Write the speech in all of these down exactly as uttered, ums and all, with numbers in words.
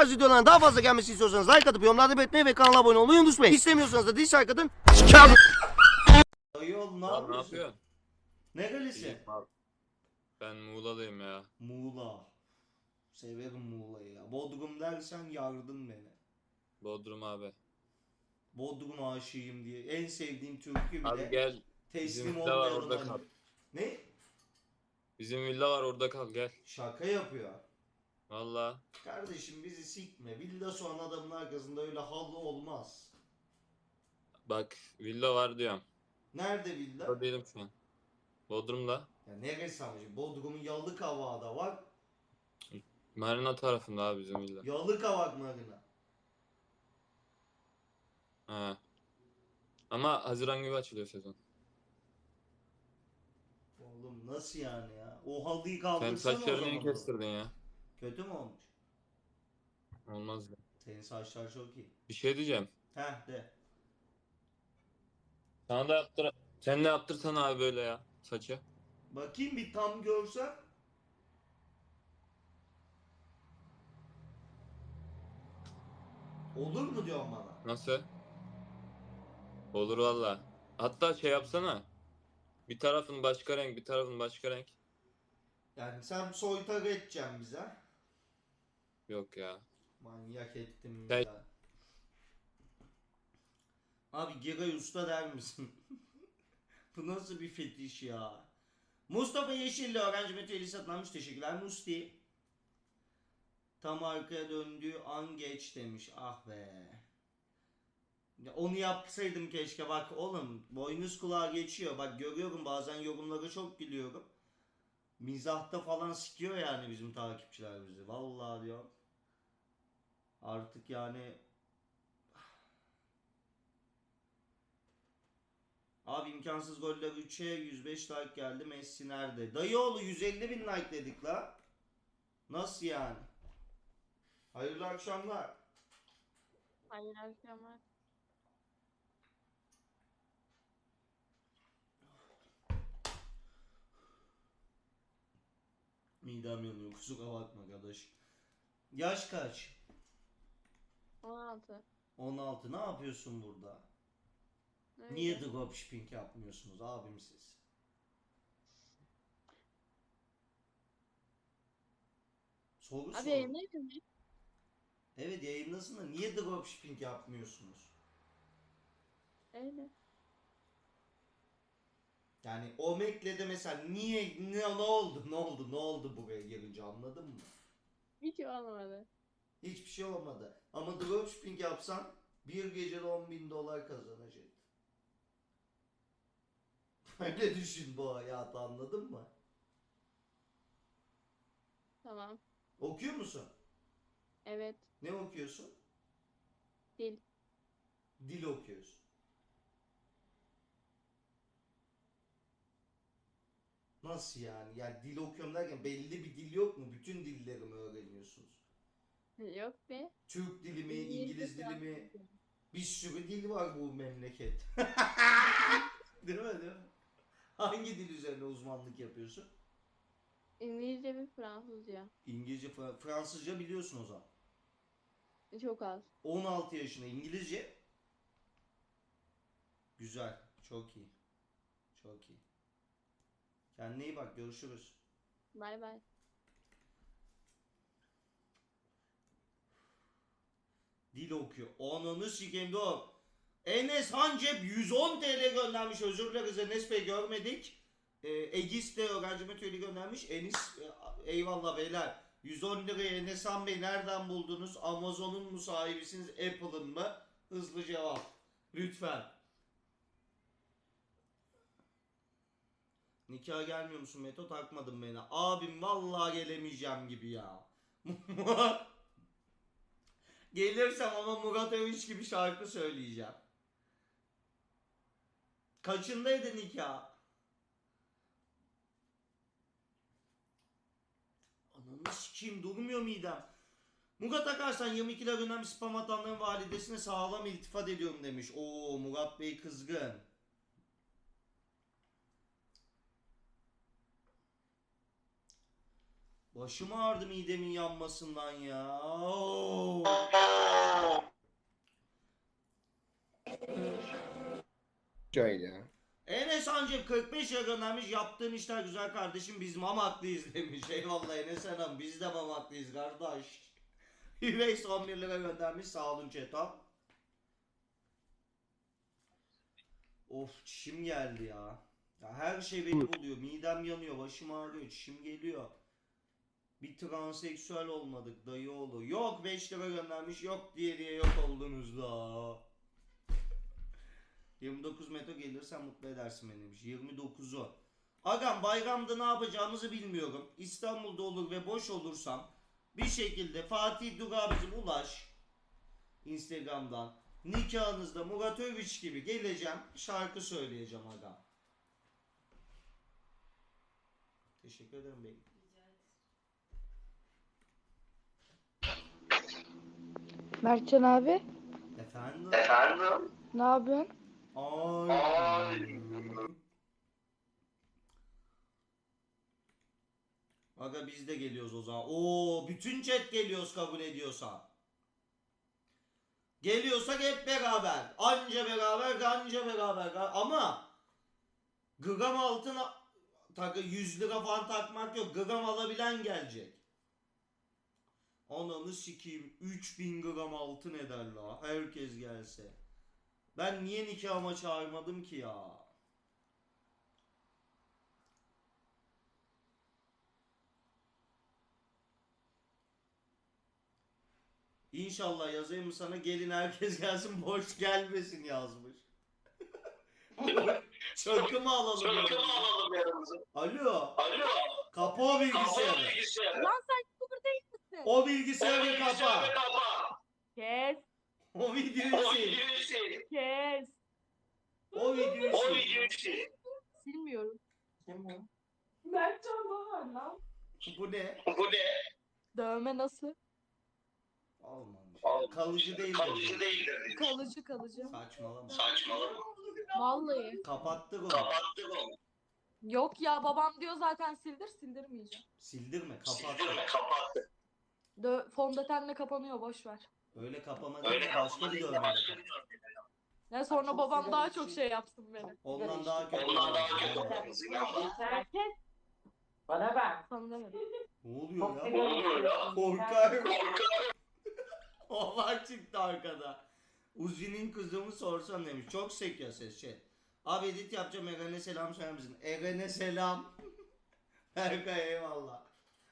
tarz videoların daha fazla gelmesi istiyorsanız like atıp yorumlarda belirtmeyi ve kanala abone olmayı unutmayın. İstemiyorsanız da dislike atın. Dayı oğlum ne Lan ne yapıyorsun? yapıyorsun? Nerelisin? İyiyim abi. Ben Muğla'lıyım ya. Muğla. Severim Muğla'yı ya. Bodrum dersen yardın beni. Bodrum abi. Bodrum aşığıyım diye. En sevdiğim türkü Abi bile gel. teslim Bizim villa var olmayan orada olan. kal. Ne? Bizim villa var orada kal gel. Şaka yapıyor. Valla. Kardeşim bizi sikme. Villa soğan adamın arkasında öyle halı olmaz. Bak villa var diyorum. Nerede villa? Orada değilim şu an. Bodrum'da. Ya neresi ama şimdi? Bodrum'un Yalıkavak'da var. Marina tarafında abi bizim villa. Yalıkavak marina. He. Ama Haziran gibi açılıyor sezon. Oğlum nasıl yani ya? O halıyı Sen kaldırsana o saçlarını niye zaman. kestirdin ya? Kötü mü olmuş? Olmaz ya. Senin saçlar çok iyi. Bir şey diyeceğim. Heh de. Sana da yaptır. Sen de yaptırsana abi böyle ya. Saçı. Bakayım bir tam görsem. Olur mu diyorsun bana? Nasıl? Olur valla. Hatta şey yapsana. Bir tarafın başka renk, bir tarafın başka renk. Yani sen soytarı edeceksin bize. Yok ya. Manyak ettim Sen- ya. Abi Giray Usta der misin? Bu nasıl bir fetiş ya? Mustafa Yeşilli öğrenci meteli satılmış. Teşekkürler Musti. Tam arkaya döndüğü an geç demiş. Ah be. Ya onu yapsaydım keşke. Bak oğlum boynuz kulağa geçiyor. Bak görüyorum bazen yorumlara çok gülüyorum. Mizahta falan sikiyor yani bizim takipçiler bizi. Vallahi diyor. Artık yani abi imkansız goller üçe yüz beş like geldi. Messi nerede? Dayıoğlu yüz elli bin like dedik la. Nasıl yani? Hayırlı akşamlar. Hayır akşamlar. Midem yanıyor kusura bakma kardeş. Yaş kaç? on altı. on altı. Ne yapıyorsun burada? Öyle. Niye dropshipping yapmıyorsunuz abim siz? Soru Abi sor. yayınlaydın mı? Evet yayındasın da niye dropshipping yapmıyorsunuz? Öyle. Yani Omeg'le de mesela niye ne, ne oldu ne oldu ne oldu buraya girince anladın mı? Hiç olmadı. Hiçbir şey olmadı. Ama dropshipping yapsan bir gecede on bin dolar kazanacaksın. Öyle düşün bu hayatı anladın mı? Tamam. Okuyor musun? Evet. Ne okuyorsun? Dil. Dil okuyorsun. Nasıl yani? Yani dil okuyorum derken belli bir dil yok mu? Bütün dilleri mi öğreniyorsunuz? Yok be. Türk dili mi, İngilizce, İngiliz dili mi? Fransızca. Bir sürü dil var bu memleket. Değil mi değil mi? Hangi dil üzerine uzmanlık yapıyorsun? İngilizce ve Fransızca. İngilizce, Fra- Fransızca biliyorsun o zaman. Çok az. on altı yaşında İngilizce. Güzel. Çok iyi. Çok iyi. Kendine iyi bak. Görüşürüz. Bay bay. Dil okuyor. Ananı sikeyim dur. Enes Hancep yüz on T L göndermiş. Özür dileriz Enes Bey görmedik. Ee, Egis de öğrenci metölü göndermiş. Enis e, eyvallah beyler. yüz on lirayı Enes Han Bey nereden buldunuz? Amazon'un mu sahibisiniz? Apple'ın mı? Hızlı cevap. Lütfen. Nikah gelmiyor musun Meto? Takmadın beni. Abim vallahi gelemeyeceğim gibi ya. Gelirsem ama Murat Övünç gibi şarkı söyleyeceğim. Kaçındaydı nikah? Ananı sikeyim durmuyor midem. Murat Akarsan yirmi iki lira göndermiş spam atanların validesine sağlam iltifat ediyorum demiş. Oo Murat Bey kızgın. Başım ağrıdı midemin yanmasından ya. Oo. Şöyle ya. Enes Ancak kırk beş lira göndermiş. Yaptığın işler güzel kardeşim. Biz mamaklıyız demiş. Eyvallah Enes Hanım. Biz de mamaklıyız kardeş. Hüveys on bir lira göndermiş. Sağ olun Çetam. Of çişim geldi ya. Ya her şey beni buluyor. Midem yanıyor. Başım ağrıyor. Çişim geliyor. Bir transseksüel olmadık dayı oğlu. Yok beş lira göndermiş. Yok diye diye yok oldunuz da. yirmi dokuz metro gelirsen mutlu edersin beni demiş. yirmi dokuzu. Agam bayramda ne yapacağımızı bilmiyorum. İstanbul'da olur ve boş olursam bir şekilde Fatih Duga bizim ulaş. Instagram'dan. Nikahınızda Murat Övüç gibi geleceğim. Şarkı söyleyeceğim agam. Teşekkür ederim bey. Mertcan abi, Efendim? Efendim? ne yapıyorsun? Ay. Aga biz de geliyoruz o zaman. Oo bütün chat geliyoruz kabul ediyorsan. Geliyorsak hep beraber. Anca beraber, anca beraber. Ama gram altına takı yüz lira falan takmak yok. Gram alabilen gelecek. Ananı sikeyim. üç bin gram altın eder la. Herkes gelse. Ben niye nikahıma çağırmadım ki ya? İnşallah yazayım mı sana gelin herkes gelsin boş gelmesin yazmış. Çakı mı alalım Çakı mı yanımıza? alalım yanımıza? Alo. Alo. Kapa o bilgisayarı. Kapalı bilgisayarı. Lan sen YouTuber değil misin? O bilgisayarı kapa. Bilgisayarı kapa. Kes, O videoyu O sil. videoyu sil. kes. O videoyu O sil. videoyu sil. Silmiyorum. Mertcan Bahar lan. Bu ne? Bu ne? Dövme nasıl? Olmamış. Olmamış. Kalıcı değil. Kalıcı değildir. Kalıcı kalıcı. Saçmalama. Saçmalama. Vallahi. Kapattık onu. Kapattık onu. Yok ya babam diyor zaten sildir sildirmeyeceğim. Sildirme kapattık. Sildirme kapattık. Dö fondötenle kapanıyor boş ver. Öyle kapama Öyle değil de başka kapatma bir değil de dövme. başka bir dövme. Ne sonra çok babam sigara daha içiyor. çok şey yapsın beni. Ondan daha kötü. Ondan daha olmaz. kötü Yani. olmaz. İnanma. Herkes Bana bak. sana demedim. Ne oluyor Çok ya? sigara oluyor ya? içiyorsun. Korkarım. Korkarım. Olay çıktı arkada. Uzi'nin kızımı sorsan demiş. Çok sekiyor ses şey. Abi edit yapacağım Eren'e selam söyler misin? Eren'e selam. Berkay eyvallah.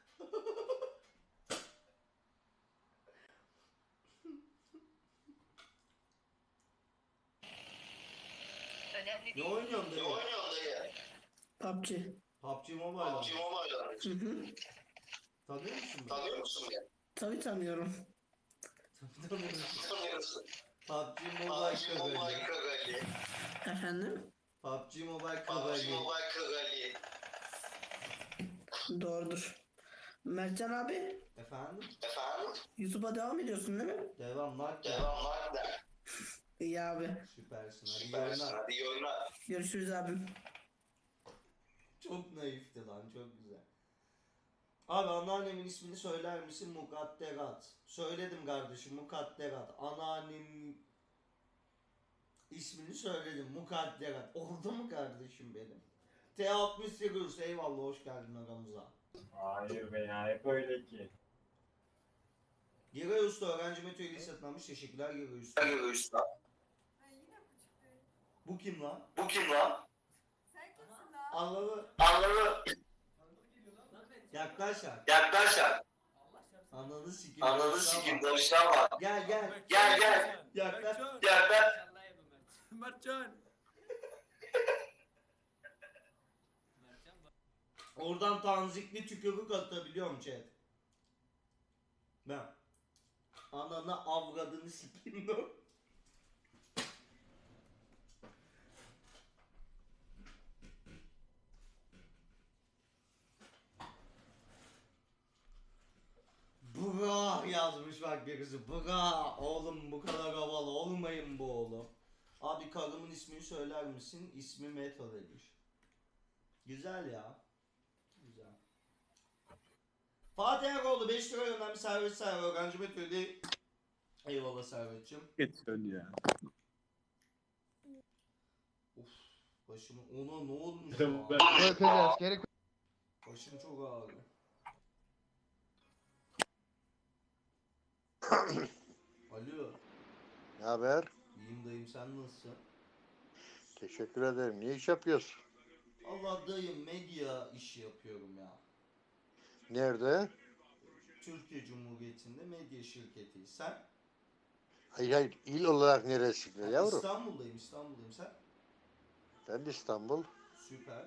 Ne oynuyorsun Ne dayı? oynuyorsun dayı? P U B G. P U B G Mobile. P U B G Mobile. Hı hı. Tanıyor musun beni? Tanıyor musun beni? Tabii tanıyorum. Tanımıyorum. Tanıyorsun. P U B G P U Mobile B G Mobile Kagali. Kagali. Efendim? P U B G Mobile P U B G Kagali. Mobile Kagali. Doğrudur. Mertcan abi, Efendim? Efendim? YouTube'a devam ediyorsun değil mi? Devam var ya. Devam var da. İyi abi. Süpersin. Hadi iyi Süpersin. oynar. Hadi iyi oynar. Görüşürüz abim. Çok naifti lan çok güzel. Abi anneannemin ismini söyler misin? Mukadderat. Söyledim kardeşim Mukadderat. Anneannem ismini söyledim Mukadderat. Oldu mu kardeşim benim? T altmış sekiz eyvallah hoş geldin aramıza. Hayır be ya hep öyle ki. Giray Usta öğrenci Mete üyeliği satın almış. Teşekkürler Giray Usta. Hadi usta. Bu kim lan? Bu kim lan? Anladı. Anladı. Yaklaş lan. Yaklaş lan. Ananı sikim. Anladı sikim. Barıştan var. Gel gel. Gel gel. Yaklaş. Yaklaş. Mertcan. Oradan tanzikli tükürük atabiliyorum chat. Ben. Ananı avradını sikeyim lan. Bra yazmış bak birisi. Bra oğlum bu kadar havalı olmayın bu oğlum. Abi karımın ismini söyler misin? İsmi Meto demiş. Güzel ya. Güzel. Fatih Eroğlu beş lira göndermiş servet servet öğrenci Meto'yu. Eyvallah servetçim. Geçiyorsun ya. Of başımı ona ne olmuş İşte ya? ben- Bakacağız. Gerek Başım çok ağrıyor. Alo. Ne haber? İyiyim dayım sen nasılsın? Teşekkür ederim. Ne iş yapıyorsun? Allah dayım medya işi yapıyorum ya. Nerede? Türkiye Cumhuriyeti'nde medya şirketi. Sen? Hayır hayır. İl olarak neresinde Ha, yavrum? İstanbul'dayım İstanbul'dayım sen? Ben de İstanbul. Süper.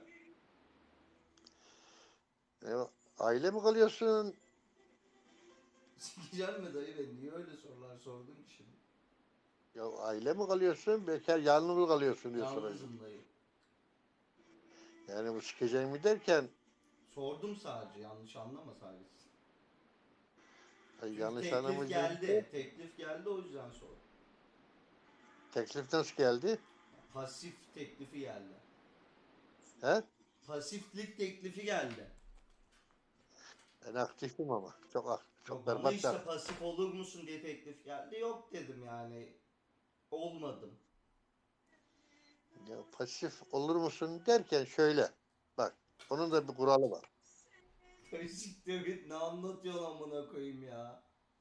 E, aile mi kalıyorsun? Sikeceğim mi dayı ben? Niye öyle sorular sordun ki şimdi? Ya aile mi kalıyorsun? Bekar yalnız mı kalıyorsun diye soracağım. Yalnızım dayı. Yani bu sikeceğim mi derken Sordum sadece yanlış anlama sadece. ay, Çünkü yanlış teklif anlamayacağım. geldi. Teklif geldi o yüzden sordum. Teklif nasıl geldi? Pasif teklifi geldi. He? Pasiflik teklifi geldi. Ben aktifim ama. Çok ak çok Yok, bana berbat. işte da- pasif olur musun diye teklif geldi. Yok dedim yani. Olmadım. Ya, pasif olur musun derken şöyle. Bak. Onun da bir kuralı var. Siktir git ne anlatıyorsun amına koyayım ya.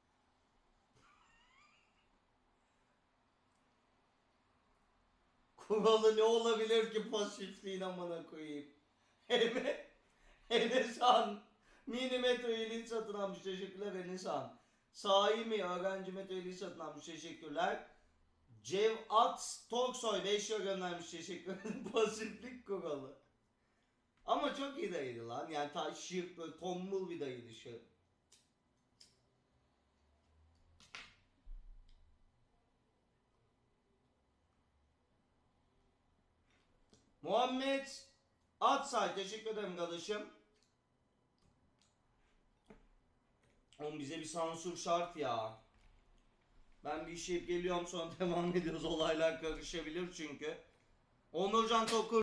Kuralı ne olabilir ki pasifliğin amına koyayım. Hele Enesan Minimetro üyeliği satın almış teşekkürler Enesan. Sahi mi öğrenci metro üyeliği satın almış teşekkürler. Cevat Toksoy beş lira göndermiş teşekkür ederim. Pasiflik kuralı. Ama çok iyi dayıydı lan. Yani ta şirk böyle tombul bir dayıydı şu. Muhammed Atsay teşekkür ederim kardeşim. Oğlum bize bir sansür şart ya. Ben bir işe geliyorum sonra devam ediyoruz. Olaylar karışabilir çünkü. Onurcan Tokur